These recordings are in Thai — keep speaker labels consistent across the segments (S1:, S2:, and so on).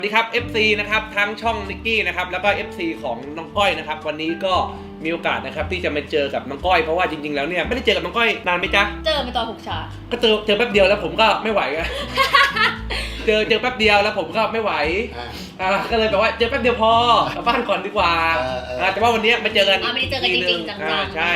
S1: สวัสดีครับ FC นะครับทั้งช่องนิกกี้นะครับแล้วก็ FC ของน้องก้อยนะครับวันนี้ก็มีโอกาสนะครับที่จะมาเจอกับน้องก้อยเพราะว่าจริงๆแล้วเนี่ยไม่ได้เจอกับน้องก้อยนานไหมจ๊ะ
S2: เจอเป็นตอน6 ฉาก
S1: ก็เจอแป๊บเดียวแล้วผมก็ไม่ไหว เจอแป๊บเดียวแล้วผมก็ไม่ไหวก็เลยแบบว่าเจอแป๊บเดียวพอกลับบ้านก่อนดีกว่าแต่ว่าวันนี้มาเจอกัน
S2: ไม่ได้เจอกันจริงๆจังๆ
S1: ใช่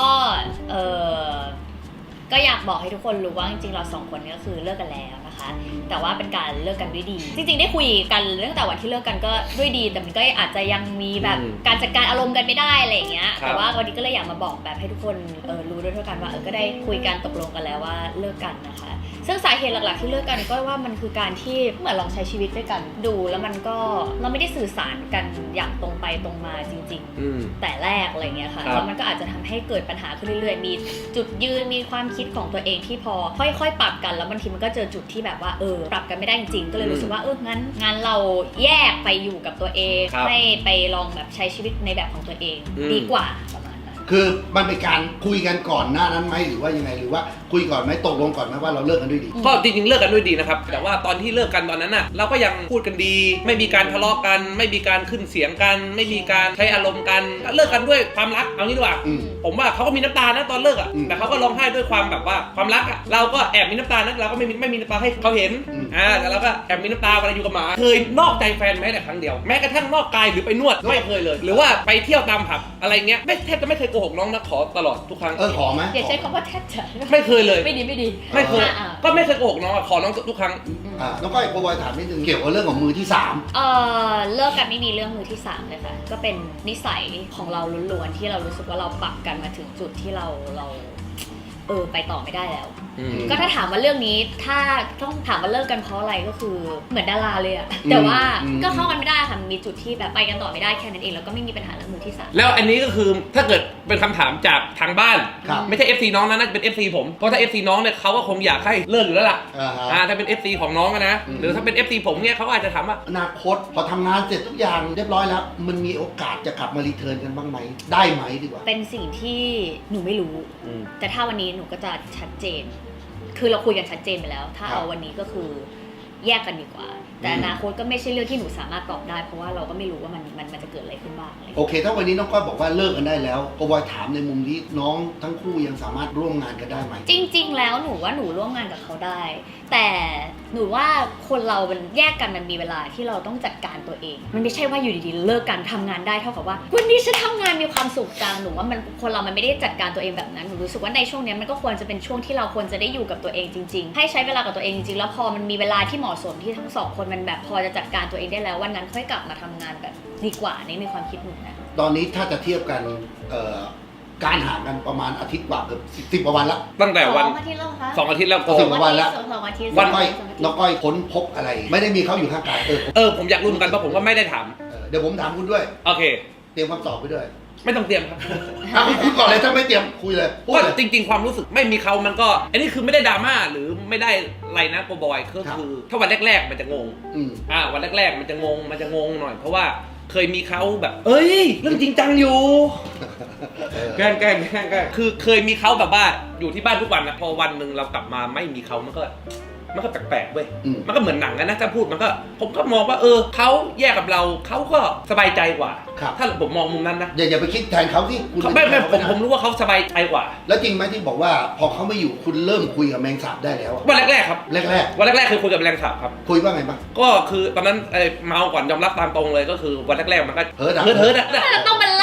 S2: ก็อยากบอกให้ทุกคนรู้ว่าจริงๆเรา2 คนนี้ก็คือเลิกกันแล้วนะคะแต่ว่าเป็นการเลิกกันด้วยดีจริงๆได้คุยกันตั้งแต่วันที่เลิกกันก็ด้วยดีแต่มันก็อาจจะยังมีแบบการจัดการอารมณ์กันไม่ได้อะไรอย่างเงี้ยแต่ว่าวันนี้ก็เลยอยากมาบอกแบบให้ทุกคนรู้ด้วยเท่ากันว่าก็ได้คุยกันตกลงกันแล้วว่าเลิกกันนะคะซึ่งสาเหตุหลักๆที่เลิกกันก็ว่ามันคือการที่เหมือนลองใช้ชีวิตด้วยกันดูแล้วมันก็เราไม่ได้สื่อสารกันอย่างตรงไปตรงมาจริงๆแต่แรกอะไรเงี้ยค่ะแล้วมันก็อาจจะทำให้เกิดปัญหาขึ้นเรื่อยๆมีจุดยืนมีความคิดของตัวเองที่พอค่อยๆปรับกันแล้วบางทีมันก็เจอจุดที่แบบว่าปรับกันไม่ได้จริงๆก็เลยรู้สึกว่างั้นเราแยกไปอยู่กับตัวเองให้ไปลองแบบใช้ชีวิตในแบบของตัวเองดีกว่าประมาณนั้น
S3: คือมันเป็นการคุยกันก่อนหน้านั้นไหมหรือว่ายังไงหรือว่าคุยก่อนไหมตกลงก่อนไหมว่าเราเลิกกันด้วยดี
S1: ก็จริงๆเลิกกันด้วยดีนะครับแต่ว่าตอนที่เลิกกันตอนนั้นน่ะเราก็ยังพูดกันดีไม่มีการทะเลาะกันไม่มีการขึ้นเสียงกันไม่มีการใช้อารมณ์กันเลิกกันด้วยความรักเอางี้ดีกว่าผมว่าเขาก็มีน้ำตานะตอนเลิกอ่ะแต่เขาก็ร้องไห้ด้วยความแบบว่าความรักอ่ะเราก็แอบมีน้ำตานะเราก็ไม่มีน้ำตาให้เขาเห็นแต่เราก็แอบมีน้ำตาเวลาอยู่กับหมาเคยนอกใจแฟนแม้แต่ครั้งเดียวแม้กระทั่งนอกกายหรือไปนวดไม่เคยเลยหรือว่าไปเที่ยวตามผับอะไรเงี้ยแทบจะไม่เคยโกหกน้องนะขอตลอดทุกครั้ง
S3: ขอไหม
S2: อย่าใช้คำว่าแทบจะ
S1: ไม่เคยเลย
S2: ไม่ดี
S1: ไม่เคยก็ไม่เคยโกหกน้องขอน้องทุกครั้ง
S3: น้องก้อยโปรบอยถามนิดนึงเกี่ยวกับเรื่องของมือที่3
S2: เลิกกันไม่มีเรื่องมือที่3เลยค่ะก็เป็นนิสัยของเราล้วนๆที่เรารู้สึกว่าเราปรับกันมาถึงจุดที่เราไปต่อไม่ได้แล้วก็ถ้าถามว่าเรื่องนี้ถ้าต้องถามว่าเลิกกันเพราะอะไรก็คือเหมือนดาราเลยอะแต่ว่าก็เข้ากันไม่ได้ค่ะมีจุดที่แบบไปกันต่อไม่ได้แค่นั้นเองแล้วก็ไม่มีปัญหาเรื่องมือที่3
S1: แล้วอันนี้ก็คือถ้าเกิดเป็นคำถามจากทางบ้านไม่ใช่ FC น้องนะน่าจะเป็น FC ผมเพราะถ้า FC น้องเนี่ยเขาก็คงอยากให้เลิกอยู่แล้วล่ะถ้าเป็น FC ของน้องนะหรือถ้าเป็น FC ผมเนี่ยเขาอาจจะถามว่า
S3: อนาคตพอทำงานเสร็จทุกอย่างเรียบร้อยแล้วมันมีโอกาสจะกลับมารีเทิร์นกันบ้างไหมได้ไหมดีกว่า
S2: เป็นสิ่งที่หนูไม่รู้แต่ถ้าวันนี้หนูก็จะชัดเจนคือเราคุยกันชัดเจนไปแล้วถ้าเอาวันนี้ก็คือแยกกันดีกว่าแต่อนาคตก็ไม่ใช่เรื่องที่หนูสามารถตอบได้เพราะว่าเราก็ไม่รู้ว่ามันจะเกิดอะไรขึ้นบ้าง
S3: โอเคถ้าวันนี้น้องก้อยบอกว่าเลิกกันได้แล้วโปรบอยถามในมุมที่น้องทั้งคู่ยังสามารถร่วมงานกันได้ไหม
S2: จริงๆแล้วหนูว่าหนูร่วมงานกับเขาได้แต่หนูว่าคนเรามันแยกกันมันมีเวลาที่เราต้องจัดการตัวเองมันไม่ใช่ว่าอยู่ดีๆเลิกกันทำงานได้เท่ากับว่าวันนี้ฉันทำงานมีความสุขจังหนูว่ามันคนเรามันไม่ได้จัดการตัวเองแบบนั้นหนูรู้สึกว่าในช่วงนี้มันก็ควรจะเป็นช่วงที่เราควรจะได้อยู่กับตัวเองจริงๆให้ใช้เวลากับตัวเองจริงๆแล้วพอมันมีเวลาที่เหมาะสมที่ทั้ง2 คนมันแบบพอจะจัดการตัวเองได้แล้ววันนั้นค่อยกลับมาทำงานแบบดีกว่าในความคิดหนูนะ
S3: ตอนนี้ถ้าจะเทียบกันการห่างกันประมาณอาทิตย์กว่าเกือบ10 กว่าวันละ
S1: ตั้งแต่วัน
S2: 2 อาทิตย์แล้วคะ
S1: 2 อาทิตย์แล้ว
S3: 10 กว่าวันละ
S2: 2 อาทิตย์
S3: น้องก้อยค้นพบอะไรไม่ได้มีเขาอยู่ข้างกาย
S1: ผมอยากรู้เหมือนกันเพราะผมก็ไม่ได้ถาม
S3: เดี๋ยวผมถามคุณด้วย
S1: โอเค
S3: เตรียมคำตอบไปด้วย
S1: ไม่ต้องเตรียมครับ
S3: คุณก่อนเลยถ้าไม่เตรียมคุยเลย
S1: เพราะจริงๆความรู้สึกไม่มีเขามันก็อันนี้คือไม่ได้ดราม่าหรือไม่ได้อะไรนะโปรบอยก็คือถ้าวันแรกๆมันจะงงวันแรกๆมันจะงงหน่อยเพราะว่าเคยมีเขาแบบเอ้ยเรื่องจริงจังอยู่แกล้งคือเคยมีเขาแบบว่าอยู่ที่บ้านทุกวันนะพอวันหนึ่งเรากลับมาไม่มีเขามันก็แปลกๆเว้ยมันก็เหมือนหนังนะถ้าพูดมันก็ผมก็มองว่าเขาแยกกับเราเขาก็สบายใจกว่าถ้าผมมองมุมนั้นนะ
S3: อย่าไปคิดแทนเขาที่คุณ
S1: ไม่ผมรู้ว่าเขาสบายใจกว่า
S3: แล้วจริงไหมที่บอกว่าพอเขาไม่อยู่คุณเริ่มคุยกับแมงสาบได้แล้ว
S1: วันแรกๆครับวันแรกๆคือคุยกับแมลงสาบครับ
S3: คุยว่าไงบ้าง
S1: ก็คือตอนนั้นเมาก่อนยอมรับตามตรงเลยก็คือวันแรกๆมันก็
S3: เฮิร์ต
S2: ต้องมัน